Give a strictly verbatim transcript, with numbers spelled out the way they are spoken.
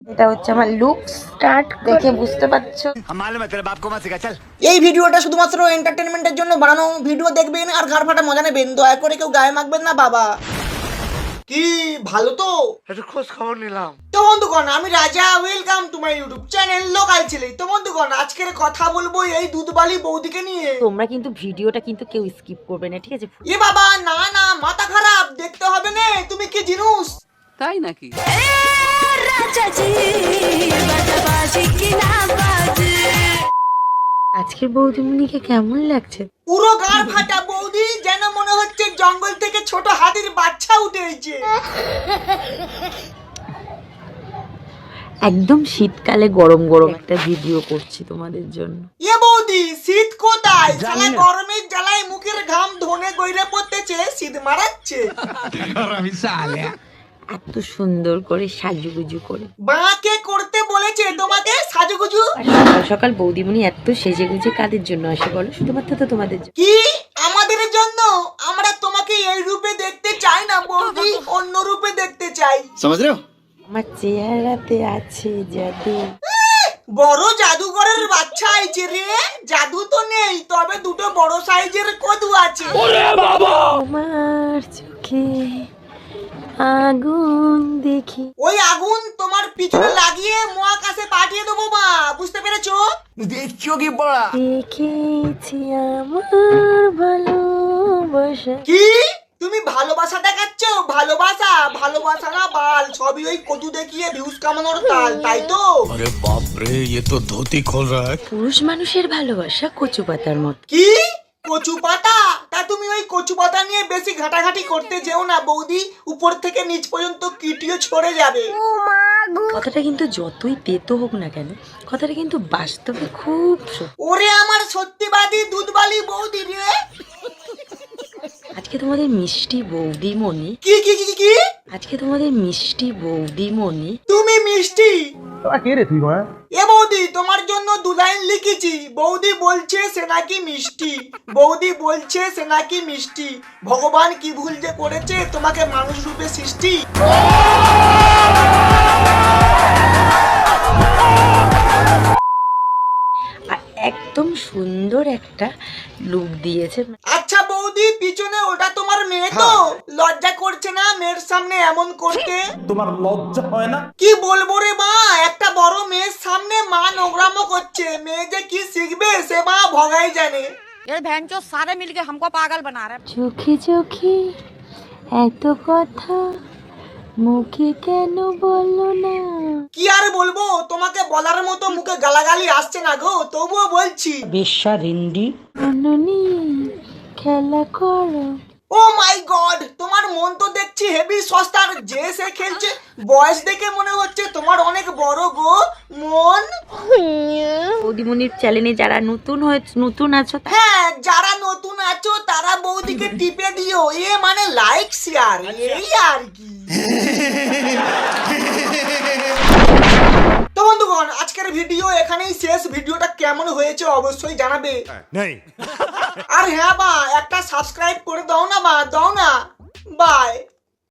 এটা হচ্ছে আমার লুক স্টার্ট দেখে বুঝতে পারছো। এই ভিডিওটা শুধুমাত্র এন্টারটেনমেন্টের জন্য বানানো। ভিডিও দেখবেন আর ঘাড় ফাটা মজা নেবেন, দয়া করে কেউ গায়ে মাখবেন না বাবা। কি ভালো তো একটু খোঁজ খবর নিলাম। তো বন্ধুগণ, আমি Raja, welcome to my YouTube channel local ছেলে। তো বন্ধুগণ, আজকের কথা বলবো এই দুধবালি বৌদিকে নিয়ে। তোমরা কিন্তু ভিডিওটা কিন্তু কেউ স্কিপ করবে না, ঠিক আছে? এ বাবা, না না, মাথা খারাপ, দেখতে হবে না। তুমি কি জিনুস? তাই নাকি? আজকের বৌদিমণিকে কেমন লাগছে? পুরো গাড় ফাটা বৌদি, যেন মনে হচ্ছে জঙ্গল থেকে ছোট হাতির বাচ্চা উঠে এসেছে। একদম শীতকালে গরম গরম একটা ভিডিও করছি তোমাদের জন্য। এ বৌদি, শীত কোথায়? শালা গরমের জ্বালায় মুখের ঘাম ধনে গইরে পড়তেছে, শীত মারাচ্ছে। এত সুন্দর করে সাজুগুজু করে বাঁকে করতে বলেছে তোমাকে সাজুগুজু? আর সকাল সকাল বৌদিমণি এত সেজে গুজে কাদের জন্য আসে বলো? শুধুমাত্র তো তোমাদের জন্য। কি আমাদের জন্য? আমরা তোমাকে এই রূপে দেখতে চাই না বৌদি, অন্য রূপে দেখতে চাই। समझ रहे हो? আমার চেহারাতে আছে জাদু। বড় জাদুঘরের বাচ্চা আইছে রে। জাদু তো নেই, তবে দুটো বড় সাইজের কদু আছে। তোমার চোখে আগুন দেখি। ওই আগুন তোমার পিছনে লাগিয়ে মহাকাশে পাঠিয়ে দেবো মা, বুঝতে পেরেছো? দেখছো কি বড়া? দেখেছি আমার ভালোবাসা। কি তুমি ভালোবাসা দেখাচ্ছ? ভালোবাসা ভালোবাসা না বাল, সবই ওই কদু দেখিয়ে ভিউজ কামানোর তাল, তাই তো? अरे बाप रे, ये तो धोती खोल रहा है। পুরুষ মানুষের ভালোবাসা কচু পাতার মতো। কি কচু পাতা? তা তুমি ওই কচু পাতা নিয়ে বেশি ঘাটাঘাটি করতে যেও না বৌদি, উপর থেকে নিচ পর্যন্ত কিটিও ছড়ে যাবে। কথাটা কিন্তু যতই তেতো হোক না কেন, কথাটা কিন্তু বাস্তবে খুব সত্যি। ওরে আমার সত্যিবাদী দুধবালি বৌদি রে। আজকে তোমাদের মিষ্টি বৌদিমণি কি কি কি কি? আজকে তোমাদের মিষ্টি বৌদিমণি তুমি মিষ্টি? কে রে তুই ভাই? এ বৌদি, তোমার জন্য দু লাইন লিখেছি। বৌদি বলছে সে নাকি মিষ্টি, বৌদি বলছে সে নাকি মিষ্টি। ভগবান কি ভুল যে করেছে তোমাকে মানুষ রূপে সৃষ্টি। আর একদম সুন্দর একটা লুক দিয়েছে। আচ্ছা বৌদি, পিছনে ওটা তোমার মেয়ে তো? লজ্জা করছে না মেয়ের সামনে এমন করতে? তোমার লজ্জা হয় না? কি বলবো রে মা, একটা বড় মেয়ের সামনে মা নোংরামো করছে। মেয়ে যে কি শিখবে সে মা ভগাই জানে। ये बहन जो सारे मिलके हमको पागल बना रहे हैं। চোখে চোখে এত কথা মুখে কেন বলো না? কি আর বলবো, তোমাকে বলার মতো মুখে গালাগালি আসছে না গো, তবুও বলছি। বেশ্যা রিন্ডি অননি খেলা করো। ও মাই গড, তোমার মন তো দেখছি হেভি সস্তার। যে সে খেলছে, বয়স দেখে মনে হচ্ছে তোমার অনেক বড় গো মন। বৌদিমণির চ্যানেলে যারা নতুন হয়ে নতুন আছো, হ্যাঁ, যারা নতুন আছো তারা বৌদিকে টিপে দিও, এ মানে লাইক শেয়ার, এই আর কি। তো বন্ধুগণ, আজকের ভিডিও এখানেই শেষ। ভিডিওটা কেমন হয়েছে অবশ্যই জানাবে। আর হ্যাঁ বা, একটা সাবস্ক্রাইব করে দাও না বা, দাও না। বাই।